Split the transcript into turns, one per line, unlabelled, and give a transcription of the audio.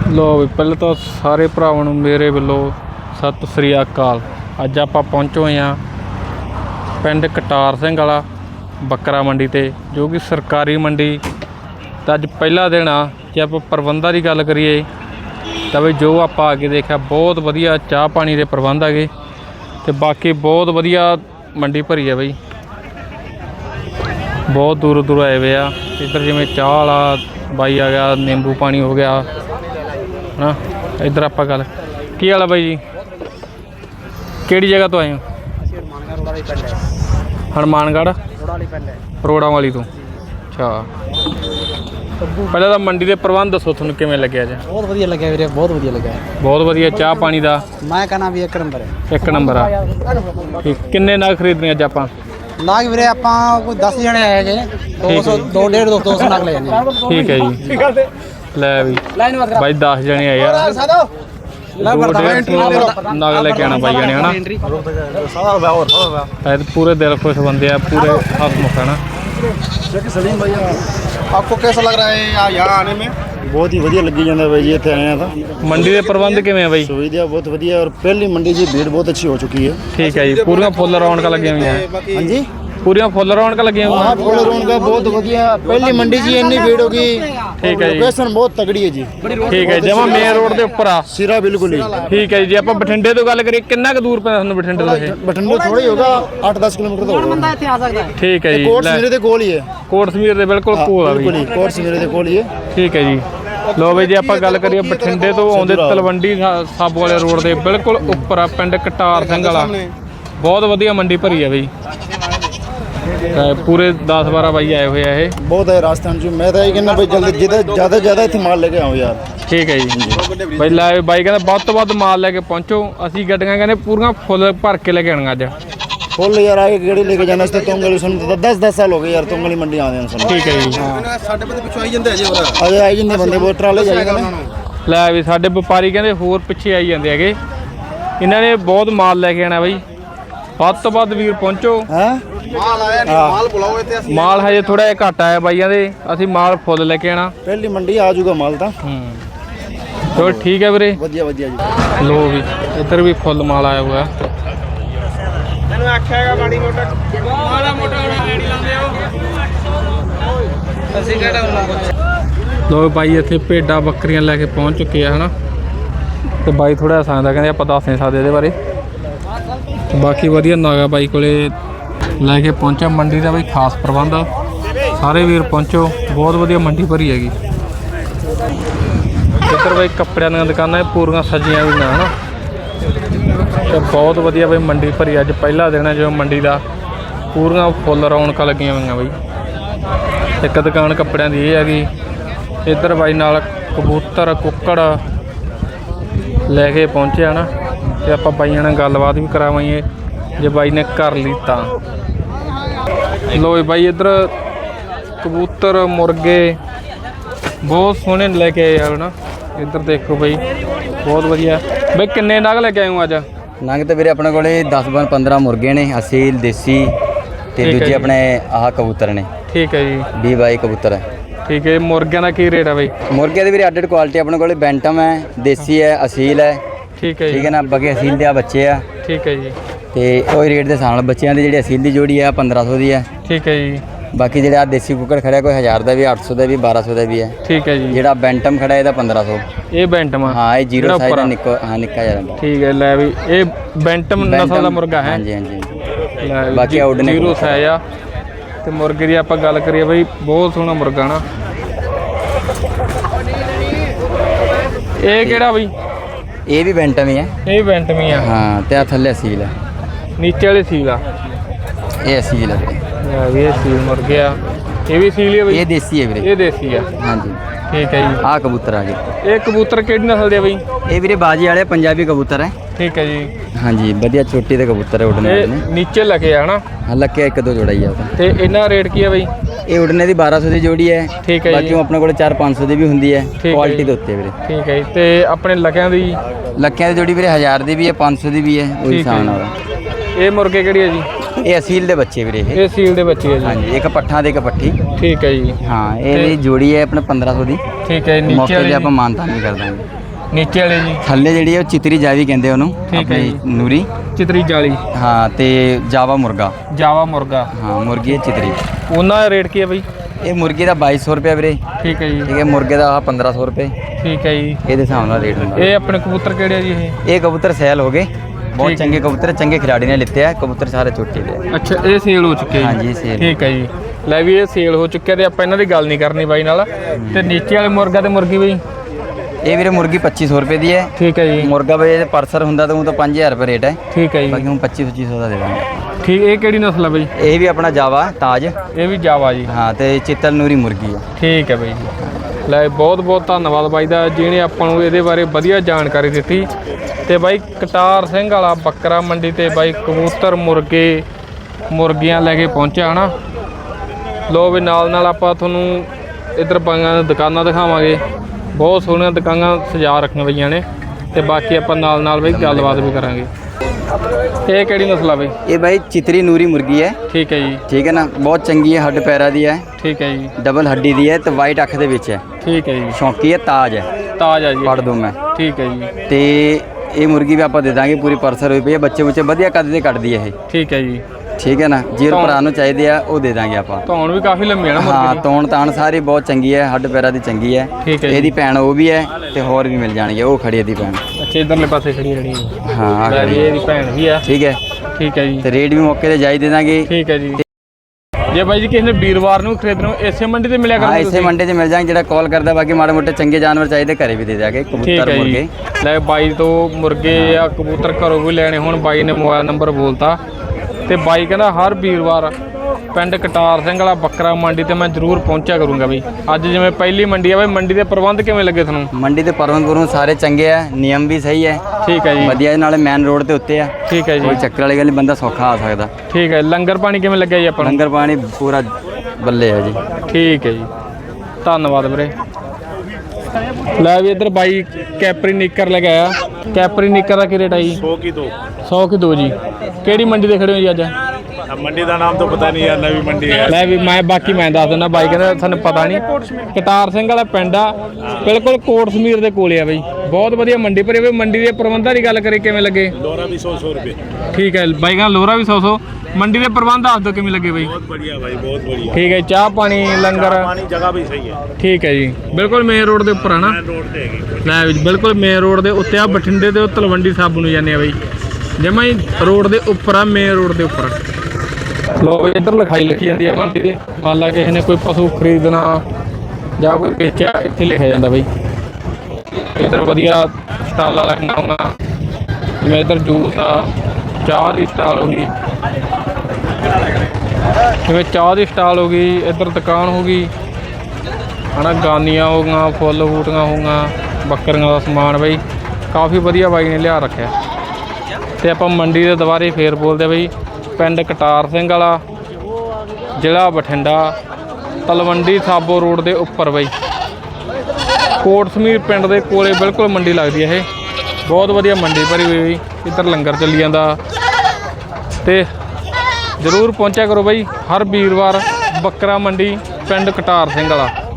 लो भी पहले तो सारे भरावां नूं मेरे वल्लों सत श्री अकाल। अज आपां पहुंचे हुए हाँ पिंड कटार सिंह वाला बकरा मंडी ते, जो कि सरकारी मंडी। तो अज पहला दिन आ। जे आपां प्रबंधां की गल करिए तो बई जो आपां आगे देखा बहुत वधिया चाह पानी के प्रबंध है, तो बाकी बहुत वधिया मंडी भरी है बई। बहुत दूर दूर आए हुए आ। इधर जिमें चाह वाला बाई आ गया, नींबू पानी हो गया ना। इधर आप गल की हाल है बाई जी, किहड़ी जगह तो आए हो? हनुमानगढ़ रोड़ा वाली तो। अच्छा, पहले तो मंडी के प्रबंध दसो तुहानूं किवें लग्गिया जी?
बहुत वधिया लग्गिया वीरे, बहुत वधिया लग्गिया।
बहुत वधिया चाह पानी का
मैं कहना भी एक नंबर है।
एक नंबर आ। ठीक, किन्ने नाग खरीदने अज आपां?
नाग वीरे आपां कोई 10 जने आए गए, 200 250 नाग ले जाने।
ठीक है जी, लै भी भाई 10 जने आए यार, 250 नाग लेके आना भाई जाने है ना। पूरे दिल खुश बंदे आ, पूरे हसमुख है ना।
सलीम भाई आपको कैसा लग रहा है यहाँ आने में? बहुत ही वधिया लगी जाता भाई जी, इतने आए था।
मंडी के प्रबंध किवें है भाई?
सुविधा बहुत वधिया, और पहली मंडी जी भीड़ बहुत अच्छी हो चुकी है।
ठीक है जी, पूरी फुल रौनक लगी हुई है।
हाँ जी,
पूरी फुल रौनक लगी हुई है।
फुल रौनक बहुत वधिया, पहली मंडी जी इतनी भीड़ होगी।
ठीक है जी,
लोकेशन बहुत तगड़ी है जी।
ठीक है, जमा मेन रोड के उपर आ
सिरा बिल्कुल ही।
ठीक है जी, आप बठिंडे तो गल करिए कितना क दूर पैंदा बठिंडे तो?
बठिंडे थोड़ा ही होगा, 8-10 किलोमीटर तो होगा।
ठीक है जी,
कोट समीरे दे कोल ही है।
कोट समीर दे बिल्कुल कोल आ
बिल्कुल ही कोट समीरे दे कोल ही है।
ठीक है जी। लो बई जी, आप गल करिए बठिंडे तो आउंदे तलवंडी साबो वाले रोड के बिल्कुल उपर आ पिंड कटार सिंह वाला। बहुत वधिया मंडी भरी है बई, पूरे 10-12 बाई आए हुए हैं।
बहुत है राजस्थान चो। मैं तो ये कहना भाई जल्दी ज़्यादा ज़्यादा इतने माल लेके आओ यार।
ठीक है जी भाई, लै बाई कहता बहुत तो बहुत माल लेके पहुँचो। असी गड्डियां कहने पूरा फुल भर के लेके आना अज।
फुल यार आगे गेड़ी लेके जाना इससे तुंगली सुन 10 साल हो गए यार तुंगली मंडी आने सुन।
ठीक है जी,
अजे आई जंदे बंदे बहुत ट्राले जाएगा ना।
लै भी साडे व्यापारी कहते होर पिछे आई जाते हैं। इन्हों ने बहुत माल लेके आना बई, ਵੱਧ ਤੋਂ ਵੱਧ ਵੀਰ ਪਹੁੰਚੋ।
माल आया नहीं, माल बुलाओ इतने।
माल हजे थोड़ा जिहा घट आया बाइयां दे, असीं माल फुल लेके आना।
पहली मंडी आ जाऊगा माल तो।
चलो ठीक है वीरे,
वधिया वधिया जी।
लो भी इधर भी फुल माल आया हुआ है। लो भाई इत्थे भेडां बकरियां लैके पहुँच चुके हैं है ना। तो बाई थोड़ा हसांदा, कहते आप दस नहीं सकते ये बारे। बाकी वधिया नागा बाई कोले लैके पहुंचा। मंडी का बई खास प्रबंध आ, सारे वीर पहुंचो। बहुत वधिया मंडी भरी हैगी। इधर बई कपड़ियां दी दुकानां पूरियां सजियां हुई है ना। तो बहुत वधिया बई मंडी भरी। अज पहला दिन है जो मंडी का, पूरियां फुल रौनक लगियां हुई बई। एक दुकान कपड़ियां दी हैगी। इधर बाई नाल कबूतर कुक्कड़ लैके पहुंचे है ना। तो आप बाइया ने गलबात भी करावाइए जे बाई ने कर ली तो। लो बाई इधर कबूतर मुर्गे बहुत सोहने लैके आए यार ना। इधर देखो बई बहुत वधिया। बई किन्ने नग लैके आए हो अज?
नग तो वीरे अपने कोले 10-15 मुर्गे ने, असील देसी ते दूजे अपने आह कबूतर ने।
ठीक है जी,
20-22 कबूतर है।
ठीक है, मुर्गियां का की रेट है बई?
मुर्गे की वीरे अड्ड क्वालिटी अपने कोले बैंटम है, देसी है, असील है।
ठीक है
ठीक है ना, बाकी असील के बच्चे आ।
ठीक है जी,
तो वही रेट के हिसाब नाल बच्चों की जी असील की जोड़ी है 1500 की है।
ठीक है जी।
बाकी जो देसी कुक्कड़ खड़ा कोई 1000 का भी, 800 का भी, 1200 का भी है।
ठीक है जी।
जो बैंटम खड़ा है 1500।
ये बैंटम?
हाँ, ये 0 साइज निक्को। हाँ, निक्का जरा।
ठीक है, लै भी ये बैंटम नस्ल का मुर्गा है।
हाँ जी, हाँ जी।
बाकी आउट 0 साइज आ। तो मुर्गे की आप गल करिए बई बहुत सोहना मुर्गा ना। ये केड़ा बई?
ये भी बैंटम ही है।
ये बैंटम ही है।
हाँ, तो थले असील है,
नीचे वाले सील आ।
ये असील है।
ये सील मुर्गे आ। ये भी सील है बई?
ये देसी है वीरे।
ये देसी है।
हाँ जी।
ठीक है जी।
आ कबूतर आ गए।
ये कबूतर किहड़ी नस्ल दे बई?
ये वीरे बाजी वाले पंजाबी कबूतर है।
ठीक है जी।
हाँ जी, बढ़िया चोटी के कबूतर है उड़ने वाले।
नीचे लगे है ना?
हाँ, लगे 1-2 जोड़ा ही है।
तो इन्ना रेट की है बई?
ये उड़ने की 1200 की जोड़ी है।
ठीक है।
बाकी अपने को 4-500 की भी होंगी है, क्वालिटी के उत्ते वीरे।
ठीक है। तो अपने लखियां दी?
लखियां की जोड़ी वीरे 1000 की भी है, 500 की भी है, वही हिसाब नाल।
ये मुर्गे केड़ी है जी?
ਇਹ ਅਸੀਲ ਦੇ ਬੱਚੇ ਵੀਰੇ ਇਹ।
ਇਹ ਸੀਲ ਦੇ ਬੱਚੇ ਹੈ ਜੀ।
ਹਾਂਜੀ, ਇੱਕ ਪੱਠਾ ਤੇ ਇੱਕ ਪੱਠੀ।
ਠੀਕ ਹੈ ਜੀ।
ਹਾਂ, ਇਹ ਜੋੜੀ ਹੈ ਆਪਣੇ 1500 ਦੀ।
ਠੀਕ ਹੈ। ਨੀਚੇ
ਮੌਕੇ
ਵਾਲੇ
ਤੇ ਆਪਾਂ ਮਾਨਤਾਨ ਵੀ ਕਰ ਦਾਂਗੇ।
ਨੀਚੇ ਵਾਲੇ ਜੀ
ਥੱਲੇ ਜਿਹੜੀ ਹੈ ਉਹ ਚਿਤਰੀ ਜਾਵੀ ਕਹਿੰਦੇ ਉਹਨੂੰ,
ਠੀਕ ਹੈ
ਆਪਣੀ
ਜੀ।
ਨੂਰੀ।
ਚਿਤਰੀ ਜਾਲੀ।
ਹਾਂ, ਤੇ ਜਾਵਾ ਮੁਰਗਾ।
ਜਾਵਾ ਮੁਰਗਾ।
ਹਾਂ, ਮੁਰਗੀ ਹੈ ਚਿਤਰੀ।
ਉਹਨਾਂ ਦਾ ਰੇਟ ਕੀ ਹੈ ਬਾਈ?
ਇਹ ਮੁਰਗੀ ਦਾ 2200 ਰੁਪਏ ਵੀਰੇ।
ਠੀਕ ਹੈ ਜੀ।
ਠੀਕ ਹੈ, ਮੁਰਗੇ ਦਾ ਆਹ 1500 ਰੁਪਏ।
ਠੀਕ ਹੈ ਜੀ।
ਇਹਦੇ ਹਿਸਾਬ ਨਾਲ ਰੇਟ ਹੁੰਦਾ।
ਇਹ ਆਪਣੇ ਕਬੂਤਰ ਕਿਹੜੇ ਆ ਜੀ ਇਹ?
ਇਹ ਕਬੂਤਰ ਸੈਲ ਹੋ ਗਏ, ਬਹੁਤ
ਠੀਕ ਹੈ।
ਚੰਗੇ ਕਬੂਤਰ, ਚੰਗੇ ਖਿਲਾੜੀ ਨੇ ਲਿੱਤੇ ਆ ਕਬੂਤਰ, ਸਾਰੇ ਚੋਟੀ ਦੇ ਆ।
ਅੱਛਾ, ਇਹ ਸੇਲ ਹੋ ਚੁੱਕੇ ਜੀ?
ਹਾਂਜੀ, ਸੇਲ।
ਠੀਕ ਹੈ ਜੀ। ਲੈ ਵੀ ਇਹ ਸੇਲ ਹੋ ਚੁੱਕਿਆ ਤੇ ਆਪਾਂ ਇਹਨਾਂ ਦੀ ਗੱਲ ਨਹੀਂ ਕਰਨੀ ਬਾਈ ਨਾਲ। ਤੇ ਨੀਚੇ ਵਾਲੇ ਮੁਰਗਾ ਤੇ ਮੁਰਗੀ ਬਾਈ?
ਇਹ ਵੀਰੇ ਮੁਰਗੀ 2500 ਰੁਪਏ ਦੀ ਹੈ।
ਠੀਕ ਹੈ ਜੀ।
ਮੁਰਗਾ ਬਈ ਇਹ ਪਰਸਰ ਹੁੰਦਾ ਤਾਂ ਉਹ ਤਾਂ 5000 ਰੁਪਏ ਰੇਟ ਹੈ।
ਠੀਕ ਹੈ ਜੀ।
ਬਾਕੀ ਹੁਣ 2500 ਦਾ ਦੇ ਦਾਂਗੇ।
ਠੀਕ। ਇਹ ਕਿਹੜੀ ਨਸਲ ਹੈ ਬਾਈ?
ਇਹ ਵੀ ਆਪਣਾ ਜਾਵਾ ਤਾਜ।
ਇਹ ਵੀ ਜਾਵਾ ਜੀ।
ਹਾਂ, ਤੇ ਚਿੱਤਲ ਨੂਰੀ ਮੁਰਗੀ ਹੈ।
ਠੀਕ ਹੈ ਬਾਈ ਜੀ। ਲੈ ਬਹੁਤ ਬਹੁਤ ਧੰਨਵਾਦ ਬਾਈ ਦਾ ਜਿਹਨੇ ਆਪਾਂ ਨੂੰ ਇਹਦੇ ਬਾਰੇ ਵਧੀਆ ਜਾਣਕਾਰੀ ਦਿੱਤੀ। ਤੇ ਬਾਈ ਕਟਾਰ ਸਿੰਘ ਵਾਲਾ ਬੱਕਰਾ ਮੰਡੀ ਤੇ ਬਾਈ ਕਬੂਤਰ ਮੁਰਗੇ ਮੁਰਗੀਆਂ ਲੈ ਕੇ ਪਹੁੰਚਿਆ ਹਨਾ। ਲੋ ਵੀ ਨਾਲ ਨਾਲ ਆਪਾਂ ਤੁਹਾਨੂੰ ਇੱਧਰ ਬਾਈਆਂ ਦੁਕਾਨਾਂ ਦਿਖਾਵਾਂਗੇ। ਬਹੁਤ ਸੋਹਣੀਆਂ ਦੁਕਾਨਾਂ ਸਜਾ ਰੱਖੀਆਂ ਪਈਆਂ ਨੇ। ਤੇ ਬਾਕੀ ਆਪਾਂ ਨਾਲ ਨਾਲ ਬਾਈ ਗੱਲਬਾਤ ਵੀ ਕਰਾਂਗੇ। ਇਹ ਕਿਹੜੀ ਨਸਲ ਆ ਬਾਈ?
ਇਹ ਬਾਈ ਚਿਤਰੀ ਨੂਰੀ ਮੁਰਗੀ ਹੈ।
ਠੀਕ ਹੈ ਜੀ।
ਠੀਕ ਹੈ ਨਾ, ਬਹੁਤ ਚੰਗੀ ਹੈ, ਹੱਡ ਪੈਰਾਂ ਦੀ ਹੈ।
ਠੀਕ ਹੈ ਜੀ।
ਡਬਲ ਹੱਡੀ ਦੀ ਹੈ ਤੇ ਵਾਈਟ ਅੱਖ ਦੇ ਵਿੱਚ ਹੈ।
ਠੀਕ ਹੈ ਜੀ।
ਸ਼ੌਂਕੀ ਹੈ, ਤਾਜ ਹੈ।
ਤਾਜ ਆ ਜੀ।
ਪੜ ਦੂੰ ਮੈਂ।
ਠੀਕ ਹੈ ਜੀ।
ਤੇ ਇਹ ਮੁਰਗੀ ਵੀ ਆਪਾਂ ਦੇ ਦਾਂਗੇ ਪੂਰੀ ਪਰਸਰ ਹੋਈ ਪਈ ਹੈ। ਬੱਚੇ ਬੁੱਚੇ ਵਧੀਆ ਕੱਦ ਦੇ ਕੱਢਦੀ ਹੈ ਇਹ।
ਠੀਕ ਹੈ ਜੀ।
ਠੀਕ ਹੈ ਨਾ, ਜੇ ਭਰਾ ਨੂੰ ਚਾਹੀਦੇ ਆ ਉਹ ਦੇ ਦਾਂਗੇ ਆਪਾਂ।
ਧੌਣ ਵੀ ਕਾਫੀ ਲੰਮੀ ਹੈ ਨਾ
ਹਾਂ,
ਮੁਰਗੇ ਦੀ?
ਤੌਣ ਤਾਣ ਸਾਰੀ ਬਹੁਤ ਚੰਗੀ ਹੈ, ਹੱਡ ਪੈਰਾਂ ਦੀ ਚੰਗੀ ਹੈ।
ਠੀਕ ਹੈ ਜੀ।
ਇਹਦੀ ਭੈਣ ਉਹ ਵੀ ਹੈ ਤੇ ਹੋਰ ਵੀ ਮਿਲ ਜਾਣਗੇ, ਉਹ ਖੜੀ ਇਹਦੀ ਭੈਣ।
ਅੱਛਾ, ਇਧਰਲੇ ਪਾਸੇ ਖੜੀ ਰਣੀ ਹੈ।
ਹਾਂ, ਆਹ
ਲੈ
ਖੜੀ
ਜੀ,
ਹੈ।
ਇਹਦੀ ਭੈਣ ਵੀ ਆ।
ਠੀਕ ਹੈ,
ਠੀਕ ਹੈ ਜੀ।
ਤੇ ਰੇਟ ਵੀ ਮੌਕੇ ਤੇ ਜਾਈ ਦੇ ਦਾਂਗੇ।
ਠੀਕ ਹੈ ਜੀ। ਜੇ ਬਾਈ ਜੀ ਕਿਸੇ ਨੇ ਵੀਰਵਾਰ ਨੂੰ ਖਰੀਦਣਾ ਇਸੇ ਮੰਡੀ ਤੇ ਮਿਲਿਆ
ਹਾਂ,
ਕਰਨਗੇ
ਇਸੇ
ਤੁਸੀਂ?
ਮੰਡੇ 'ਚ ਮਿਲ ਜਾਣਗੇ। ਜਿਹੜਾ ਕਾਲ ਕਰਦਾ, ਬਾਕੀ ਮਾੜੇ ਮੋਟੇ ਚੰਗੇ ਜਾਨਵਰ ਚਾਹੀਦੇ ਘਰੇ ਵੀ ਦੇ ਦਿਆਂਗੇ,
ਠੀਕ
ਕਬੂਤਰ
ਹੈ
ਮੁਰਗੇ।
ਜੀ। ਲੈ ਬਾਈ ਤੋਂ ਮੁਰਗੇ ਜਾਂ ਕਬੂਤਰ ਘਰੋਂ ਵੀ ਲੈਣੇ ਹੁਣ ਬਾਈ ਨੇ ਮੋਬਾਈਲ ਨੰਬਰ ਬੋਲਤਾ। ਤੇ ਬਾਈ ਕਹਿੰਦਾ ਹਰ ਵੀਰਵਾਰ ਪਿੰਡ ਕਟਾਰ ਸਿੰਘ ਵਾਲਾ ਬੱਕਰਾ ਮੰਡੀ ਤੇ ਮੈਂ ਜ਼ਰੂਰ ਪਹੁੰਚਿਆ ਕਰੂੰਗਾ ਬਈ। ਅੱਜ ਜਿਵੇਂ ਪਹਿਲੀ ਮੰਡੀ ਆ ਬਈ, ਮੰਡੀ ਦੇ ਪ੍ਰਬੰਧ ਕਿਵੇਂ ਲੱਗੇ ਤੁਹਾਨੂੰ?
ਮੰਡੀ ਤੇ ਪਰਵਨਪੁਰ ਸਾਰੇ ਚੰਗੇ ਆ, ਨਿਯਮ ਵੀ ਸਹੀ ਹੈ।
ਠੀਕ ਹੈ ਜੀ।
ਵਧੀਆ, ਨਾਲੇ ਮੇਨ ਰੋਡ ਦੇ ਉੱਤੇ ਆ।
ਠੀਕ ਹੈ ਜੀ।
ਕੋਈ ਚੱਕਰ ਵਾਲੀ ਗੱਲ ਨਹੀਂ, ਬੰਦਾ ਸੌਖਾ ਆ ਸਕਦਾ।
ਠੀਕ ਹੈ। ਲੰਗਰ ਪਾਣੀ ਕਿਵੇਂ ਲੱਗਿਆ ਜੀ ਆਪਾਂ ਨੂੰ?
ਲੰਗਰ ਪਾਣੀ ਪੂਰਾ ਬੱਲੇ ਆ ਜੀ।
ਠੀਕ ਹੈ ਜੀ, ਧੰਨਵਾਦ ਵੀਰੇ। ਲੈ ਵੀ ਇੱਧਰ ਬਾਈ ਕੈਪਰੀ ਨਿੱਕਰ ਲੈ ਕੇ ਆਇਆ। ਕੈਪਰੀ ਨਿੱਕਰ ਦਾ ਕੀ ਰੇਟ ਆ ਜੀ?
100 की 2।
100 ਕੀ 2 ਜੀ। ਕਿਹੜੀ ਮੰਡੀ ਤੇ ਖੜੇ ਹੋ ਜੀ ਅੱਜ?
अब मंडी का नाम तो पता नहीं यार, नवी मंडी है।
ਲੈ ਵੀ ਮੈਂ ਦੱਸ ਦਿੰਦਾ, ਬਾਈ ਕਹਿੰਦਾ ਸਾਨੂੰ ਪਤਾ ਨਹੀਂ। ਕਟਾਰ ਸਿੰਘ ਵਾਲਾ ਪਿੰਡ ਆ, ਬਿਲਕੁਲ ਕੋਟ ਸਮੀਰ ਦੇ ਕੋਲੇ ਆ ਬਈ। ਬਹੁਤ ਵਧੀਆ ਮੰਡੀ ਭਰੀ ਬਈ। ਮੰਡੀ ਦੇ ਪ੍ਰਬੰਧਾਂ ਦੀ ਗੱਲ ਕਰੀ ਕਿਵੇਂ ਲੱਗੇ?
लोरा भी 100 रुपये।
ਠੀਕ ਹੈ ਬਾਈ ਕਹਿੰਦਾ ਲੋਰਾ ਵੀ 100 ਮੰਡੀ ਦੇ ਪ੍ਰਬੰਧ ਦੱਸ ਦਿਓ ਕਿਵੇਂ ਲੱਗੇ ਬਈ?
बहुत बढ़िया भाई, बहुत बढ़िया।
ਠੀਕ ਹੈ। ਚਾਹ ਪਾਣੀ ਲੰਗਰ?
पानी जगह भी सही है।
ਠੀਕ ਹੈ ਜੀ। ਬਿਲਕੁਲ ਮੇਨ ਰੋਡ ਦੇ ਉੱਪਰ ਆ ਨਾ?
रोड पे है।
ਲੈ ਵੀ ਬਿਲਕੁਲ ਮੇਨ ਰੋਡ ਦੇ ਉੱਤੇ ਆ। ਬਠਿੰਡੇ ਦੇ ਤਲਵੰਡੀ ਸਾਬੂ ਨੂੰ ਜਾਂਦੇ ਆ ਬਈ। ਜਮਾਂ ਹੀ ਰੋਡ ਦੇ ਉੱਪਰ ਆ, ਮੇਨ ਰੋਡ ਦੇ ਉੱਪਰ। ਲੋ ਬਈ ਇੱਧਰ ਲਿਖਾਈ ਲਿਖੀ ਜਾਂਦੀ ਆ ਮੰਡੀ ਦੇ। ਮੰਨ ਲਾ ਕਿਸੇ ਨੇ ਕੋਈ ਪਸ਼ੂ ਖਰੀਦਣਾ ਜਾਂ ਕੋਈ ਵੇਚਿਆ, ਇੱਥੇ ਲਿਖਿਆ ਜਾਂਦਾ ਬਈ। ਇੱਧਰ ਵਧੀਆ ਸਟਾਲਾਂ ਲੱਗਣਾ ਹੋਣਾ, ਜਿਵੇਂ ਇੱਧਰ ਜੂਸ ਆ, ਚਾਹ ਦੀ ਸਟਾਲ ਹੋ ਗਈ, ਜਿਵੇਂ ਚਾਹ ਦੀ ਸਟਾਲ ਹੋ ਗਈ। ਇੱਧਰ ਦੁਕਾਨ ਹੋ ਗਈ ਹਨਾ, ਗਾਨੀਆਂ ਹੋ ਗਈਆਂ, ਫੁੱਲ ਬੂਟੀਆਂ ਹੋ ਗਈਆਂ, ਬੱਕਰੀਆਂ ਦਾ ਸਮਾਨ ਬਈ ਕਾਫੀ ਵਧੀਆ ਬਾਈ ਨੇ ਲਿਆ ਰੱਖਿਆ। ਤੇ ਆਪਾਂ ਮੰਡੀ ਦੇ ਦੁਬਾਰੇ ਫੇਰ ਬੋਲਦੇ ਬਈ। ਪਿੰਡ ਕਟਾਰ ਸਿੰਘ ਵਾਲਾ, ਜ਼ਿਲ੍ਹਾ ਬਠਿੰਡਾ, ਤਲਵੰਡੀ ਸਾਬੋ ਰੋਡ ਦੇ ਉੱਪਰ ਬਈ। ਕੋਟ ਸਮੀਰ ਪਿੰਡ ਦੇ ਕੋਲੇ ਬਿਲਕੁਲ ਮੰਡੀ ਲੱਗਦੀ ਹੈ ਇਹ। ਬਹੁਤ ਵਧੀਆ ਮੰਡੀ ਭਰੀ ਹੋਈ ਬਈ। ਇੱਧਰ ਲੰਗਰ ਚੱਲੀ ਜਾਂਦਾ। ਤੇ ਜ਼ਰੂਰ ਪਹੁੰਚਿਆ ਕਰੋ ਬਈ ਹਰ ਵੀਰਵਾਰ ਬੱਕਰਾ ਮੰਡੀ ਪਿੰਡ ਕਟਾਰ ਸਿੰਘ ਵਾਲਾ।